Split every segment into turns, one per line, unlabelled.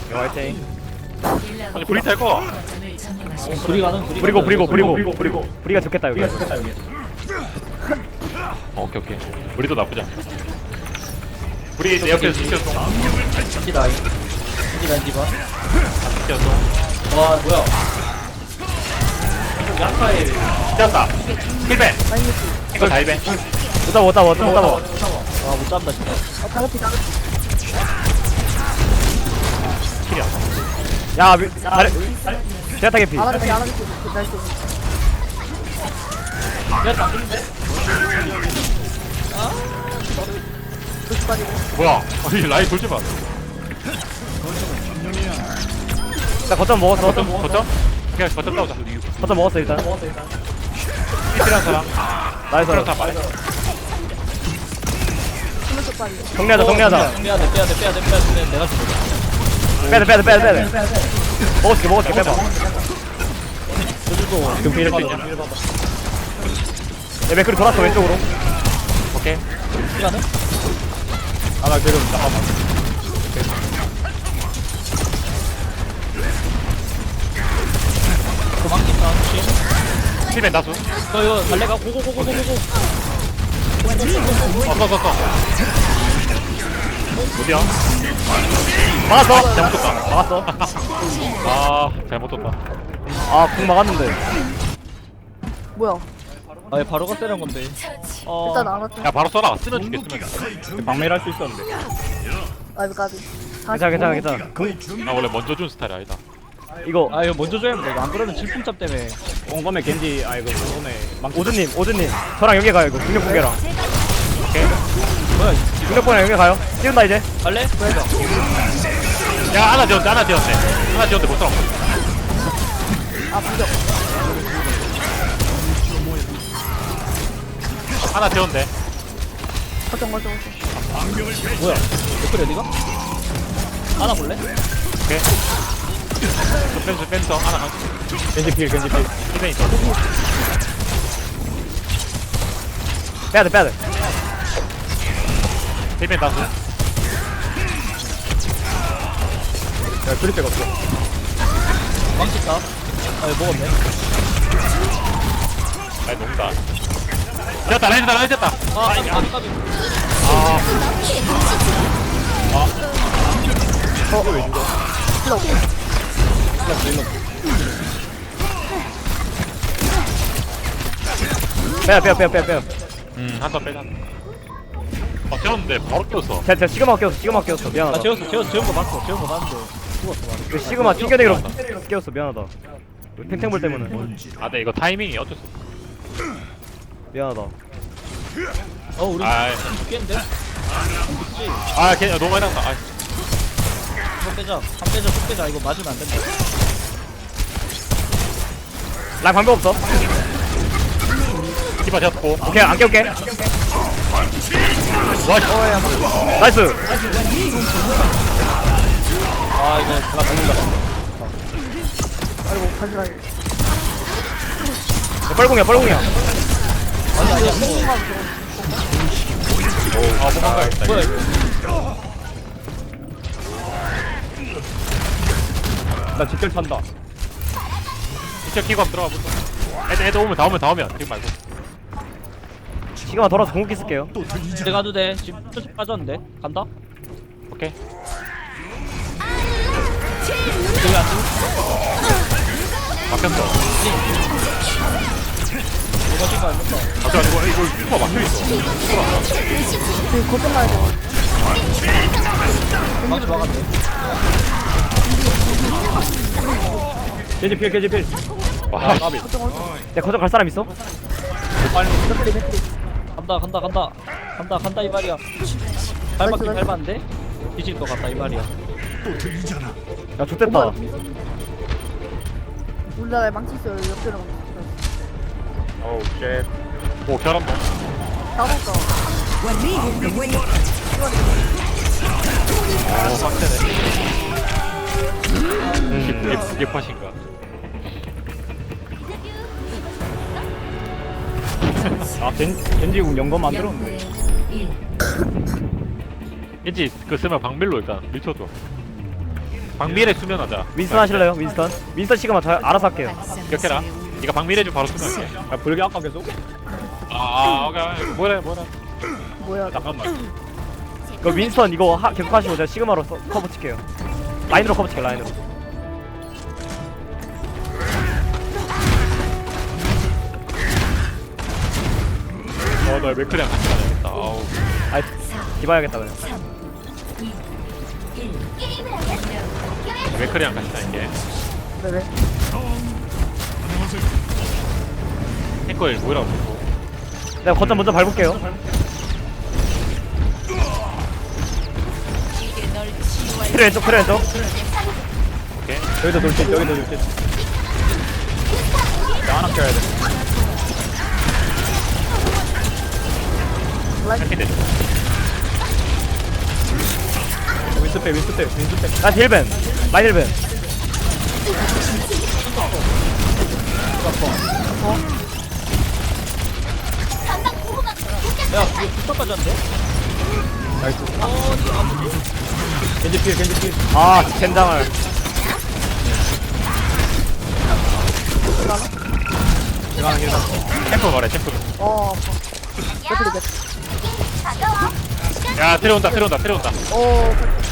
화이팅.
아니 브리타 이거
불이 가는
브리가 좋겠다 여기.
오케이 우리도 나쁘지 않아 우리 내 옆에서 지켜줘
겐지 라인 디바
지켜줘
와 뭐야 야카에
지켰다 힐벤 이거 다 힐벤
못 잡아.
아못 잡다 진짜
킬이야
야 제타 개피.
야다
뭐야 아니 라인 돌지 마
나 거점 먹었어.
거점? 그냥 거점 싸우자
거점 먹었어 일단.
필요한 사람
나이스.
필요한 사람 말해
정리하자.
빼야돼 내가 죽어
빼야 돼. 먹을게 빼봐.
저주도
필요 있냐?
야 맥클이 돌았어 왼쪽으로.
오케이
시간은?
아나 그럼 잠깐만.
도망친다 혹시?
힐벤 다수
너 이거 달래가 고고고고고고
써 어디야?
막았어.
잘못 떴다
막았어.
아 잘못 떴다
아궁 막았는데.
뭐야?
아얘 바로가 세는 건데
일단 알았죠.
야 바로 써라 쓰러지게 쓰면
방매를 할 수 있었는데.
아이고 까비.
괜찮아.
나 원래 먼저 준 스타일이 아니다
이거
아 이거 먼저 줘야 돼. 안 그러면 질풍잡 때문에
옹검에 겐지 아이고 옹검에 오준님 저랑 연계 가요 이거 중력 공개랑.
오케이
뭐야
중력 공개랑 연계 가요. 띄운다 이제.
갈래?
야 하나 지었대 못 살아
아 부적.
하나 지었대
거점.
뭐야 댓글 어디가? 하나 볼래?
오케이 뺀서 하나 가
겐지 필.
힐벤 있어
빼야 돼.
힐벤 다수
야 줄일 데가 없어.
망쳤다 아 이거 먹었네
아이 농다 라인 졌다
아 까비
빼야.
한번 빼자 지었는데 바로 꼈어
제가 시그마 꼈어.
아
미안하다.
재운 거 봤어 재운 거 봤는데 죽었어
그 시그마 튕겨내기로 꼈어. 미안하다. 탱탱볼 때문에.
근데 이거 타이밍이 어쩔 수 없어
미안하다.
우리
아이
죽겠는데?
걔 너무 많이 나왔다
이거 빼자 이거 맞으면 안 된다
랑 방법 없어.
디바 잡고
오케이 안 깨울게.
와
나이스.
아 이거 제가 죽는다
아이고 가지라니.
뻘궁이야.
아니야
도망가야겠다
뭐야 이거
나 직결 찬다.
진짜 키고 한번 들어가 보자 애들 오면 다 오면 지금 말고
시그마 돌아서 궁극기 쓸게요.
내가 가도 돼 지금 표시 빠졌는데 간다?
오케이
여기 안 죽어?
막혔어
이거 지금 안 된다
이거 슈퍼 막혀있어
지금 거점 가야 돼.
망치 막았네
겐지 필.
와
까비. 야 거점 갈 사람 있어?
간다 이 말이야 밟았긴 밟았는데 뒤질 것 같다 이 말이야
야 좋댔다.
우리나라에 망치 있어요. 옆에랑.
오우 쉣.
오 잘한다
나왔어.
빡세네 이게 팟인가
겐지궁 연거 만들었네.
왠지 그 쓰면 방밀로 일단 밀쳐줘 박미래 수면하자.
윈스턴 하실래요? 윈스턴 시그마 저 알아서 할게요.
기억해라. 네가 박미래 좀 바로 수면할게.
아 불교 아까 계속?
오케이. 뭐래.
뭐야
잠깐만.
그 윈스턴 이거 계속 하시고 제가 시그마로 커버 칠게요. 라인으로 커버 칠게요. 라인으로.
나 맥크리랑 같이 가야겠다. 아우.
아, 디바야겠다 그냥.
맥크리랑 같이 다닐게.
네네
탱커일 뭐라고 보고.
내가 거점 먼저 밟을게요. 트레 왼쪽.
오케이.
여기도 돌진 여기도 돌진. 나 하나 껴야 돼.
할게
윈스페.
나 딜벤. 마이 딜벤.
야 이거 부탁까지 한대? 나이스. 겐지 필.
아, 젠장을.
들어가는 길다.
탱커 가래 탱커.
어 아파 배틀이
야 들어온다.
오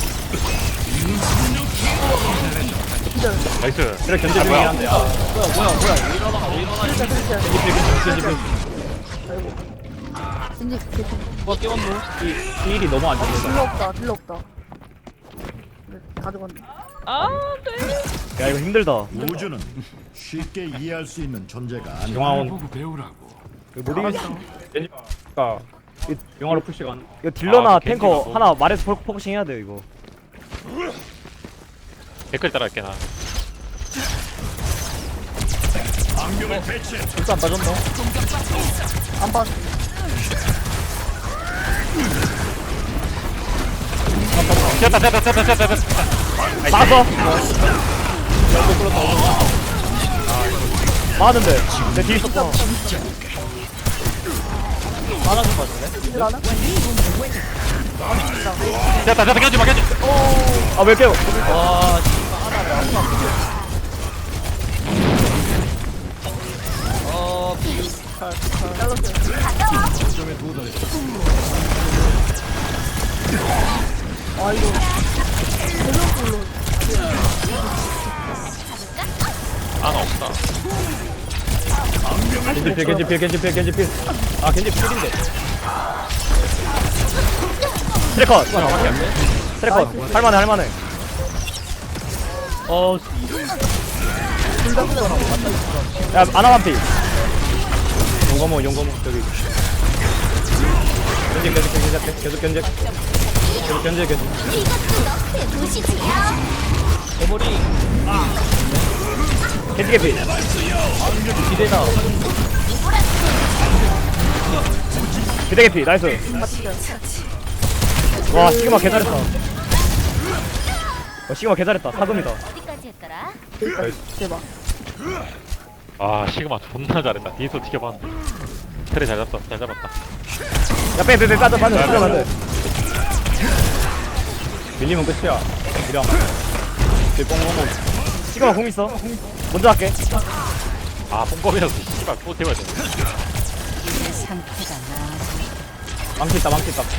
기절
나이스.
그래 견제 중이긴 한데. 아, 뭐야. 왜 이러나. 겐지 필.
아이고 진지 개피
누가 깨웠노? 이 일이 너무 안 좋다.
딜러 없다 네, 가져갔네
야, 이거 힘들다.
우주는 쉽게 이해할 수 있는 존재가 아니야.
용화원.
이거 못 이기겠어.
겐지가 용화로 푸시가 안.
이거 딜러나
아,
탱커
겐지가 뭐.
하나 말해서 포커싱 해야 돼요 이거.
댓글 따라할게 나.
진짜 안 빠졌노?
안 봤어
됐다.
맞어. 맞는데 내 뒤에 있었어.
하나 좀 봐줄래?
딜 하나?
됐다. 견지 마.
아, 왜 깨워?
와
아 이거 대놓고
하나 없다.
겐지 필. 아 겐지 필인데.
트래컷. 트래컷. 할만해. 야, 아나만피.
용거모 저기. 계속 견제. 대머리
겐지 개피.
기대다.
기대 개피. 나이스. 와, 시그마 개잘했다. 시그마 개잘했다. 사금이다.
어디까지 했더라?
대박
아 시그마 존나 잘했다. 뒤에서 지켜봤는데. 트레 잘 잡았다.
야, 빼. 빠져. 들어가면 돼.
밀리면 끝이야. 이랑. 뽕뽕뽕.
시그마 공 있어. 먼저 할게.
아 뽕검이라서 씨발 또 태워야 돼.
망치 있다.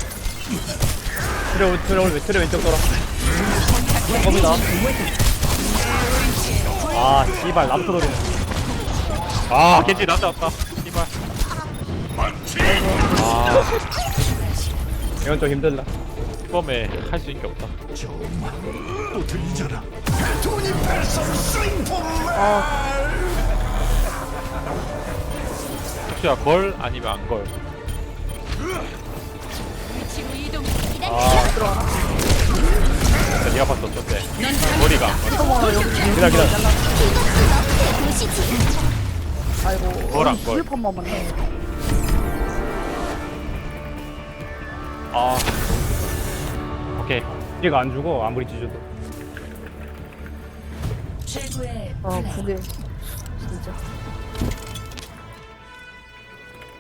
트레 왼쪽 돌아. 뽕검이다.
아, 씨발 나부터 노리네.
아 겐지 남자왔다. 씨발. 아
이건 좀 힘들다.
뽕검에 할 수 있는 게 없다.
또 들리잖아.
혹시야 걸 아니면 안 걸. 네가 봤어 어쩐데. 머리가 안 걸.
기다려.
아이고
뭐랑 뭘.
판 만네
아 오케이.
얘가 안 죽어 아무리 찢어도.
아 그게 진짜